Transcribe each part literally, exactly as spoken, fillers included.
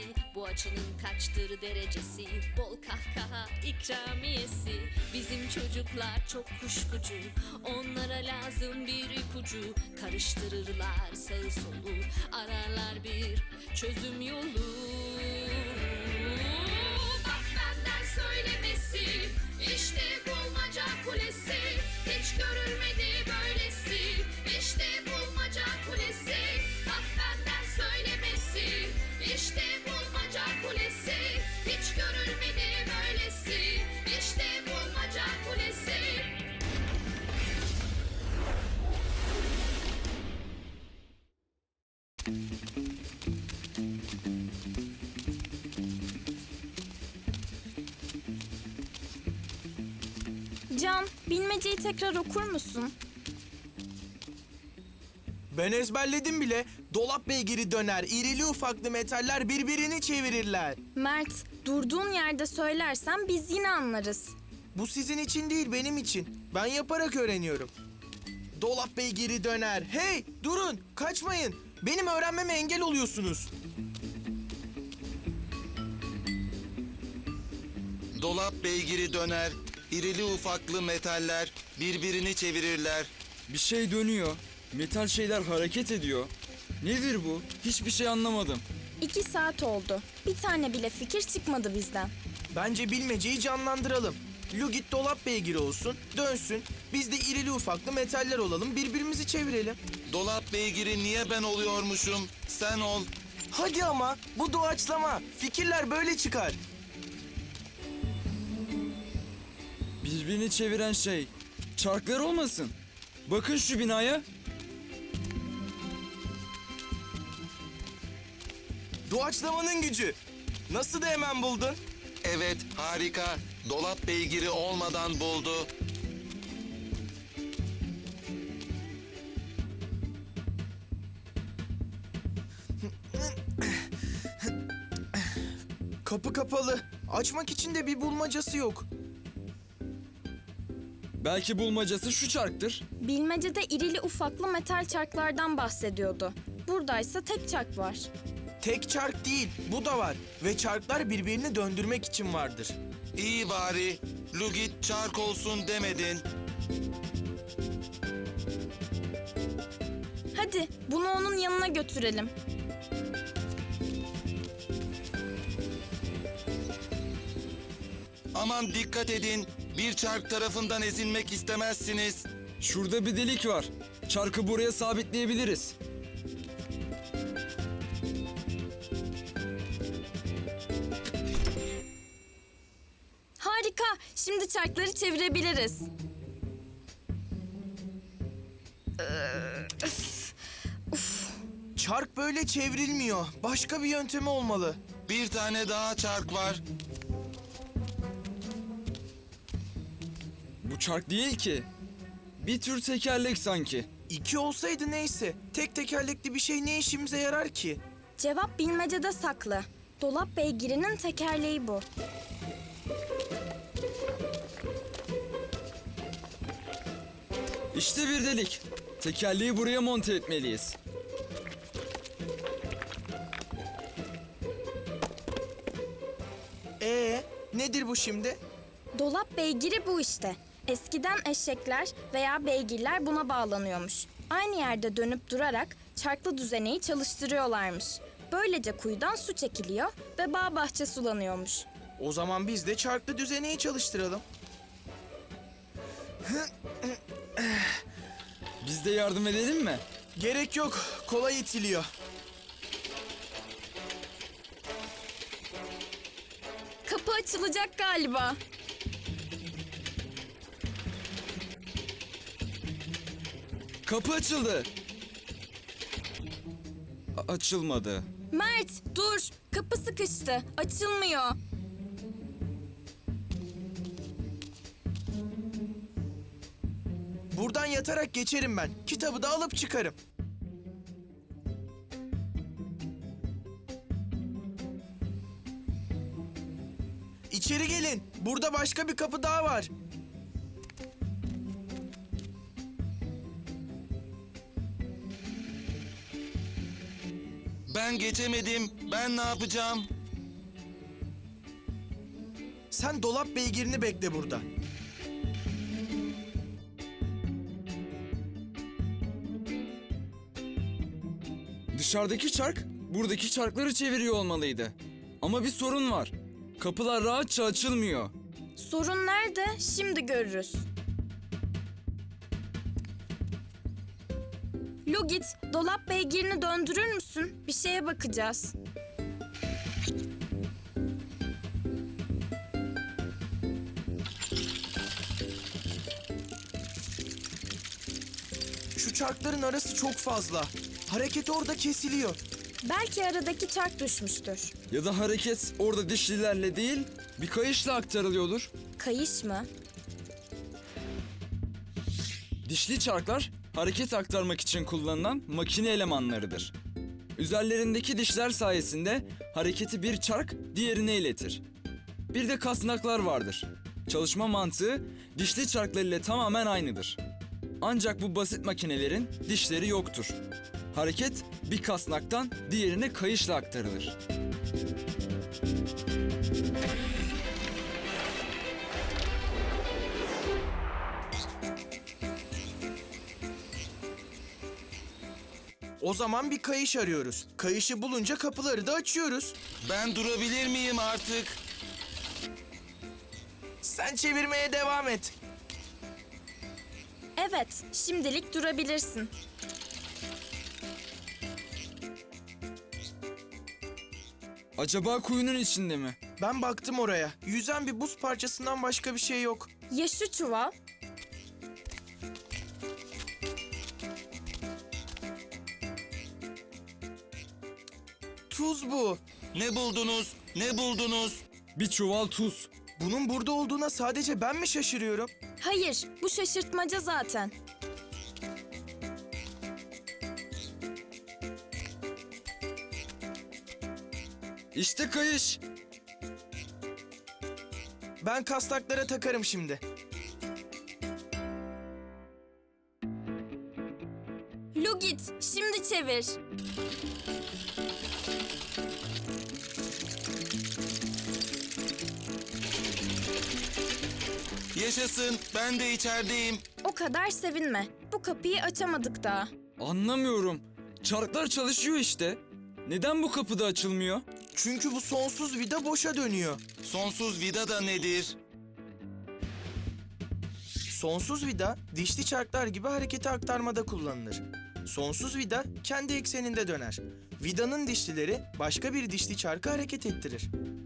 Bu açının kaçtır derecesi? Bol kahkaha ikramiyesi. Bizim çocuklar çok kuşkucu, onlara lazım bir ipucu. Karıştırırlar sağı solu, ararlar bir çözüm yolu. Bak benden söylemesi, işte bulmaca kulesi. Hiç görülmedi böylesi, işte bulmaca kulesi. Bak benden söylemesi, işte bulmaca kulesi. Hiç görülmedi böylesi, işte bulmaca kulesi. Can, bilmeceyi tekrar okur musun? Ben ezberledim bile. Dolap beygiri döner, irili ufaklı metaller birbirini çevirirler. Mert, durduğun yerde söylersen biz yine anlarız. Bu sizin için değil, benim için. Ben yaparak öğreniyorum. Dolap beygiri döner. Hey, durun, kaçmayın. Benim öğrenmeme engel oluyorsunuz. Dolap beygiri döner, irili ufaklı metaller birbirini çevirirler. Bir şey dönüyor. Metal şeyler hareket ediyor. Nedir bu? Hiçbir şey anlamadım. İki saat oldu. Bir tane bile fikir çıkmadı bizden. Bence bilmeceyi canlandıralım. Lugit dolap beygiri olsun, dönsün. Biz de irili ufaklı metaller olalım, birbirimizi çevirelim. Dolap beygiri niye ben oluyormuşum? Sen ol. Hadi ama, bu doğaçlama. Fikirler böyle çıkar. Birbirini çeviren şey çarklar olmasın? Bakın şu binaya. Doğaçlamanın gücü. Nasıl da hemen buldun? Evet, harika. Dolap beygiri olmadan buldu. Kapı kapalı. Açmak için de bir bulmacası yok. Belki bulmacası şu çarktır. Bilmecede irili ufaklı metal çarklardan bahsediyordu. Buradaysa tek çark var. Tek çark değil, bu da var. Ve çarklar birbirini döndürmek için vardır. İyi bari. Lugit çark olsun demedin. Hadi bunu onun yanına götürelim. Aman dikkat edin. Bir çark tarafından ezilmek istemezsiniz. Şurada bir delik var. Çarkı buraya sabitleyebiliriz. Harika. Şimdi çarkları çevirebiliriz. Çark böyle çevrilmiyor. Başka bir yöntemi olmalı. Bir tane daha çark var. Bu çark değil ki. Bir tür tekerlek sanki. İki olsaydı neyse. Tek tekerlekli bir şey ne işimize yarar ki? Cevap bilmecede saklı. Dolap beygirinin tekerleği bu. İşte bir delik. Tekerleği buraya monte etmeliyiz. Ee, nedir bu şimdi? Dolap beygiri bu işte. Eskiden eşekler veya beygirler buna bağlanıyormuş. Aynı yerde dönüp durarak çarklı düzeneyi çalıştırıyorlarmış. Böylece kuyudan su çekiliyor ve bağ bahçe sulanıyormuş. O zaman biz de çarklı düzeneyi çalıştıralım. Biz de yardım edelim mi? Gerek yok, kolay itiliyor. Kapı açılacak galiba. Kapı açıldı. A- açılmadı. Mert dur, kapı sıkıştı, açılmıyor. Buradan yatarak geçerim ben. Kitabı da alıp çıkarım. İçeri gelin. Burada başka bir kapı daha var. Ben geçemedim. Ben ne yapacağım? Sen dolap beygirini bekle burada. Dışarıdaki çark buradaki çarkları çeviriyor olmalıydı. Ama bir sorun var. Kapılar rahatça açılmıyor. Sorun nerede? Şimdi görürüz. Lugit, dolap beygirini döndürür müsün? Bir şeye bakacağız. Şu çarkların arası çok fazla. Hareket orada kesiliyor. Belki aradaki çark düşmüştür. Ya da hareket orada dişlilerle değil, bir kayışla aktarılıyordur. Kayış mı? Dişli çarklar hareket aktarmak için kullanılan makine elemanlarıdır. Üzerlerindeki dişler sayesinde hareketi bir çark diğerine iletir. Bir de kasnaklar vardır. Çalışma mantığı dişli çarklar ile tamamen aynıdır. Ancak bu basit makinelerin dişleri yoktur. Hareket bir kasnaktan diğerine kayışla aktarılır. O zaman bir kayış arıyoruz. Kayışı bulunca kapıları da açıyoruz. Ben durabilir miyim artık? Sen çevirmeye devam et. Evet, şimdilik durabilirsin. Acaba kuyunun içinde mi? Ben baktım oraya. Yüzen bir buz parçasından başka bir şey yok. Ya şu çuval? Tuz bu. Ne buldunuz? Ne buldunuz? Bir çuval tuz. Bunun burada olduğuna sadece ben mi şaşırıyorum? Hayır, bu şaşırtmaca zaten. İşte kayış. Ben kasnaklara takarım şimdi. Lugit, şimdi çevir. Yaşasın, ben de içerideyim. O kadar sevinme. Bu kapıyı açamadık daha. Anlamıyorum. Çarklar çalışıyor işte. Neden bu kapı da açılmıyor? Çünkü bu sonsuz vida boşa dönüyor. Sonsuz vida da nedir? Sonsuz vida dişli çarklar gibi hareketi aktarmada kullanılır. Sonsuz vida kendi ekseninde döner. Vidanın dişlileri başka bir dişli çarkı hareket ettirir.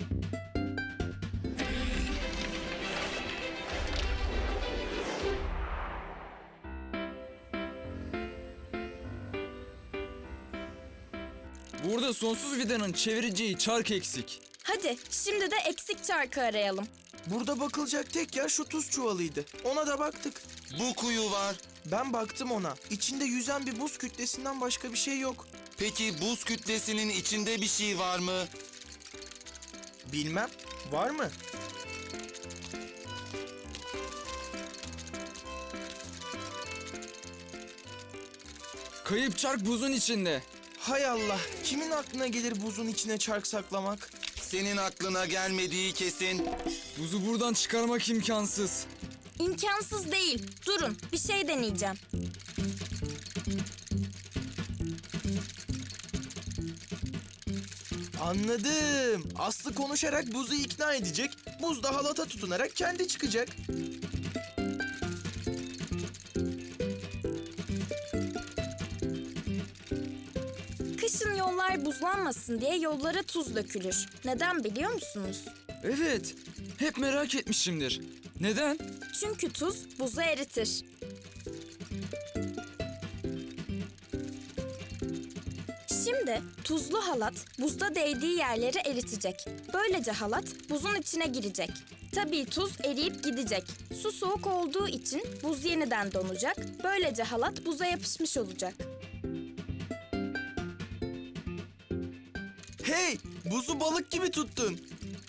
Burada sonsuz vidanın çevireceği çark eksik. Hadi, şimdi de eksik çarkı arayalım. Burada bakılacak tek yer şu tuz çuvalıydı. Ona da baktık. Bu kuyu var. Ben baktım ona. İçinde yüzen bir buz kütlesinden başka bir şey yok. Peki buz kütlesinin içinde bir şey var mı? Bilmem. Var mı? Kayıp çark buzun içinde. Hay Allah. Kimin aklına gelir buzun içine çark saklamak? Senin aklına gelmediği kesin. Buzu buradan çıkarmak imkansız. İmkansız değil. Durun, bir şey deneyeceğim. Anladım. Aslı konuşarak buzu ikna edecek. Buz da halata tutunarak kendi çıkacak. Kışın yollar buzlanmasın diye yollara tuz dökülür. Neden biliyor musunuz? Evet. Hep merak etmişimdir. Neden? Çünkü tuz buzu eritir. Şimdi tuzlu halat buzda değdiği yerleri eritecek. Böylece halat buzun içine girecek. Tabii tuz eriyip gidecek. Su soğuk olduğu için buz yeniden donacak. Böylece halat buza yapışmış olacak. Hey! Buzu balık gibi tuttun.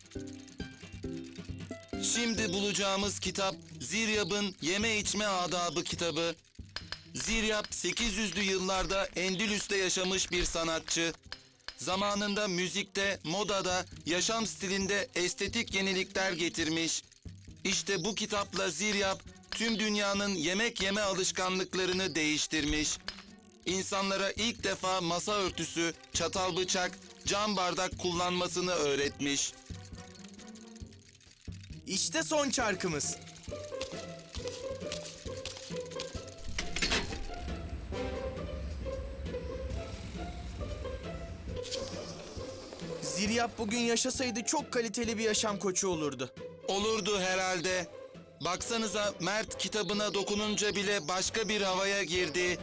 Şimdi bulacağımız kitap Ziryab'ın Yeme İçme Adabı kitabı. Ziryab sekiz yüzlü yıllarda Endülüs'te yaşamış bir sanatçı. zamanında müzikte, modada, yaşam stilinde estetik yenilikler getirmiş. İşte bu kitapla Ziryap tüm dünyanın yemek yeme alışkanlıklarını değiştirmiş. İnsanlara ilk defa masa örtüsü, çatal bıçak, cam bardak kullanmasını öğretmiş. İşte son çarkımız. Ziryap bugün yaşasaydı çok kaliteli bir yaşam koçu olurdu. Olurdu herhalde. Baksanıza Mert kitabına dokununca bile başka bir havaya girdi.